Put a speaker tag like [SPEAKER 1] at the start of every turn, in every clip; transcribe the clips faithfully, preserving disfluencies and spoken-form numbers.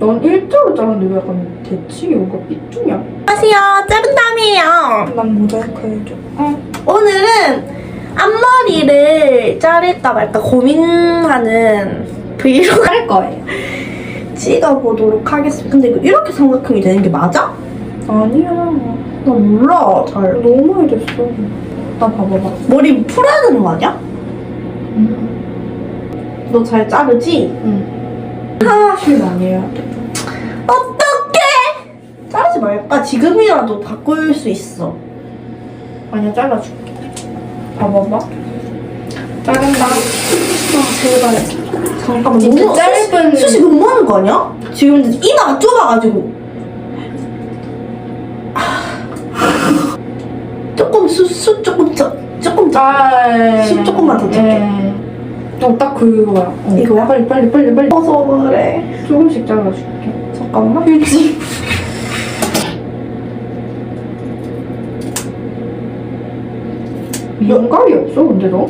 [SPEAKER 1] 넌 일자로 자르는데 왜 약간 대칭이 뭔가 삐뚤냐?
[SPEAKER 2] 안녕하세요, 짧은땀이에요.
[SPEAKER 1] 난 모자이크 해줘.
[SPEAKER 2] 응. 오늘은 앞머리를 자를까 말까 고민하는 브이로그 할 거예요. 찍어보도록 하겠습니다. 근데 이거 이렇게 삼각형이 되는 게 맞아?
[SPEAKER 1] 아니야.
[SPEAKER 2] 나 몰라, 잘.
[SPEAKER 1] 너무 많이 됐어. 나 봐봐봐.
[SPEAKER 2] 머리 풀어야 되는 거 아니야?
[SPEAKER 1] 응.
[SPEAKER 2] 너 잘 자르지?
[SPEAKER 1] 응.
[SPEAKER 2] 아,
[SPEAKER 1] 실 많이 해야 돼.
[SPEAKER 2] 어떡해! 자르지 말까? 지금이라도 바꿀 수 있어. 아니야, 잘라줄게.
[SPEAKER 1] 봐봐봐. 자른다.
[SPEAKER 2] 아, 제발. 잠깐만,
[SPEAKER 1] 진짜
[SPEAKER 2] 너무
[SPEAKER 1] 짧은-
[SPEAKER 2] 숱이, 숱이 너무 하는 거 아니야? 지금 이마가 좁아가지고. 아. 조금 숱, 숱 조금 더, 조금 더.
[SPEAKER 1] 아,
[SPEAKER 2] 숱 조금만 더 줄게.
[SPEAKER 1] 어, 딱 그거야. 어.
[SPEAKER 2] 이거야?
[SPEAKER 1] 빨리, 빨리, 빨리, 빨리.
[SPEAKER 2] 어서 그래.
[SPEAKER 1] 조금씩 잘라줄게.
[SPEAKER 2] 잠깐만.
[SPEAKER 1] 휴지. 미용감이 없어, 근데 너?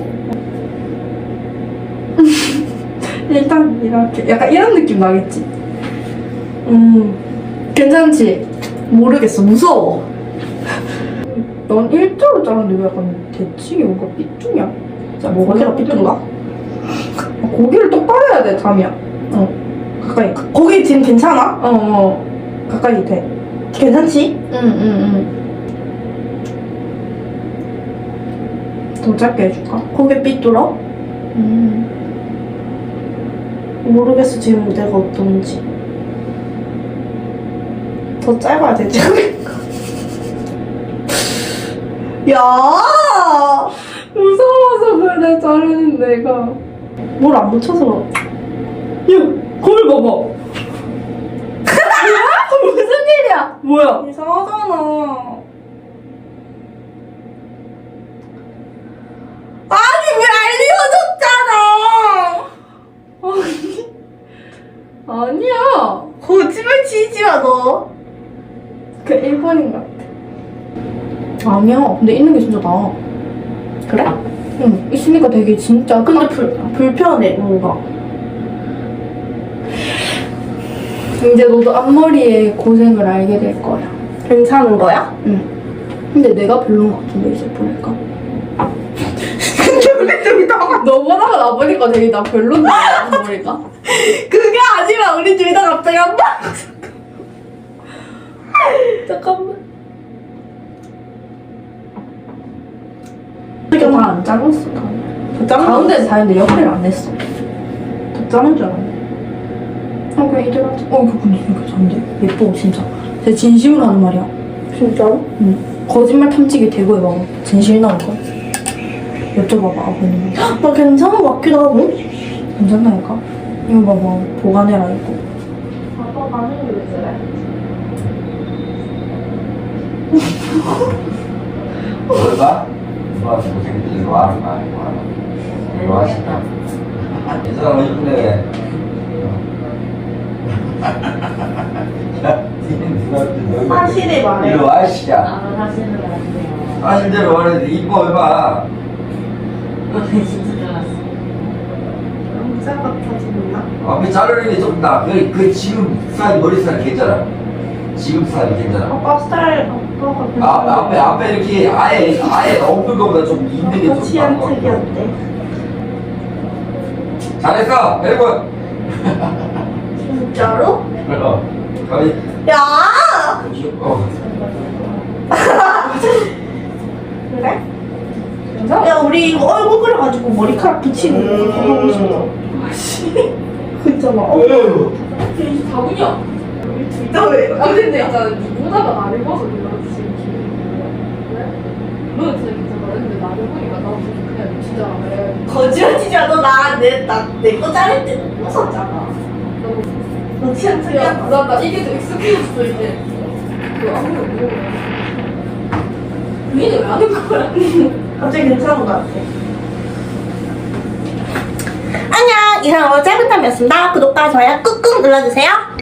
[SPEAKER 1] 일단 이렇게 약간 이런 느낌 나겠지?
[SPEAKER 2] 음,
[SPEAKER 1] 괜찮지?
[SPEAKER 2] 모르겠어. 무서워.
[SPEAKER 1] 넌 일자로 자르는데 왜 약간 대칭이 뭔가 삐뚤냐?
[SPEAKER 2] 자, 뭐가 제가 삐뚤가?
[SPEAKER 1] 아, 고기를 똑바로 해야 돼, 잠이야. 어. 가까이.
[SPEAKER 2] 거기 지금 괜찮아?
[SPEAKER 1] 어, 어. 가까이 돼.
[SPEAKER 2] 괜찮지?
[SPEAKER 1] 응, 응, 응. 더 짧게 해줄까?
[SPEAKER 2] 거기 삐뚤어?
[SPEAKER 1] 음.
[SPEAKER 2] 모르겠어, 지금 내가 어떤지. 더 짧아야 되지 않을까? 야!
[SPEAKER 1] 무서워서 그래, 자르는 내가.
[SPEAKER 2] 뭘 안 묻혀서.
[SPEAKER 1] 야, 거울 봐봐. 무슨 일이야? 뭐야?
[SPEAKER 2] 이상하잖아. 아니, 왜 알려줬잖아!
[SPEAKER 1] 아니야.
[SPEAKER 2] 거짓말 치지 마, 너.
[SPEAKER 1] 그 일본인 같아. 아니야. 근데 있는 게 진짜 나아.
[SPEAKER 2] 그래?
[SPEAKER 1] 응. 있으니까 되게 진짜.
[SPEAKER 2] 근데 불, 불편해, 뭔가.
[SPEAKER 1] 이제 너도 앞머리의 고생을 알게 될 거야.
[SPEAKER 2] 괜찮은 거야?
[SPEAKER 1] 응. 근데 내가 별론 것 같은데, 이제 보니까.
[SPEAKER 2] 근데 우리 둘이 다
[SPEAKER 1] 너보다가 나 보니까 되게 나 별론데, 앞머리가.
[SPEAKER 2] 그게 아니라 우리 둘 다 갑자기 한 번. 잠깐만.
[SPEAKER 1] 이게 다안 잘랐어, 다.
[SPEAKER 2] 더 자른 거
[SPEAKER 1] 가운데 다 했는데 옆에를 안 했어.
[SPEAKER 2] 더 자른 줄 알았네.
[SPEAKER 1] 어, 그냥 이대로 하자. 어, 이거 근데 이거 괜찮은데? 예뻐, 진짜. 제 진심으로 하는 말이야.
[SPEAKER 2] 진짜로?
[SPEAKER 1] 응. 거짓말 탐지기 대고 해봐. 진실 나올 거. 여쭤봐봐, 아버님.
[SPEAKER 2] 나 괜찮은 것 같기도 하고.
[SPEAKER 1] 괜찮다니까? 이거 봐봐. 보관해라, 이거.
[SPEAKER 2] 아빠 반응이 왜 그래?
[SPEAKER 3] 뭘 봐? 누가 고생이 이리 와, 이리 와, 이리 와. 이리 와, 진짜. 이 사람 이쁜데. 야, 니는 누가 또 너희
[SPEAKER 2] 사실을 말해.
[SPEAKER 3] 이리 와, 씨야.
[SPEAKER 4] 아, 사실은 안 돼요.
[SPEAKER 3] 사실대로 말해. 이뻐 해봐.
[SPEAKER 4] 진짜 잘랐어.
[SPEAKER 2] 남자 같아지나?
[SPEAKER 3] 앞에 자르는 게 좀 나. 그, 그 지금 스타일, 머리 스타일 괜찮아. 지금 스타일 괜찮아.
[SPEAKER 2] 아빠 스타일 아빠가 괜찮은데.
[SPEAKER 3] 아, 앞에, 앞에 이렇게 아예, 아예 없는 것보다 좀 있는 게
[SPEAKER 2] 아빠
[SPEAKER 3] 좀
[SPEAKER 2] 취향
[SPEAKER 3] 나은 것 같아.
[SPEAKER 2] 특이한데.
[SPEAKER 3] 잘했어, 여러분.
[SPEAKER 2] 진짜로?
[SPEAKER 3] 그럼. 거의,
[SPEAKER 2] 야!
[SPEAKER 3] 어.
[SPEAKER 2] 그래?
[SPEAKER 1] 괜찮아?
[SPEAKER 2] 야, 우리 이거 얼굴 그려가지고 머리카락 붙이는 거 하고 싶어. 아씨. 그잖아. 어.
[SPEAKER 4] 이게 다구냐?
[SPEAKER 2] 진짜 왜?
[SPEAKER 4] 아 근데 있잖아 누구다가 나를 봐서 놀라지 지금 기분이 왜? 너는 진짜 괜찮아 근데 나를 보니까 나도 그냥 진짜 왜
[SPEAKER 2] 거짓말 치지 마. 너 나, 내, 나, 내 거 자를 때 웃었잖아. 너 취향 특이하다.
[SPEAKER 4] 나, 나 이게 좀 익숙해졌어 이제 그 아무도 모르고 니는 왜 하는 거야?
[SPEAKER 2] 갑자기 괜찮은 것 같아. 안녕! 이상으로 짧은 탐이었습니다. 구독과 좋아요 꾹꾹 눌러주세요.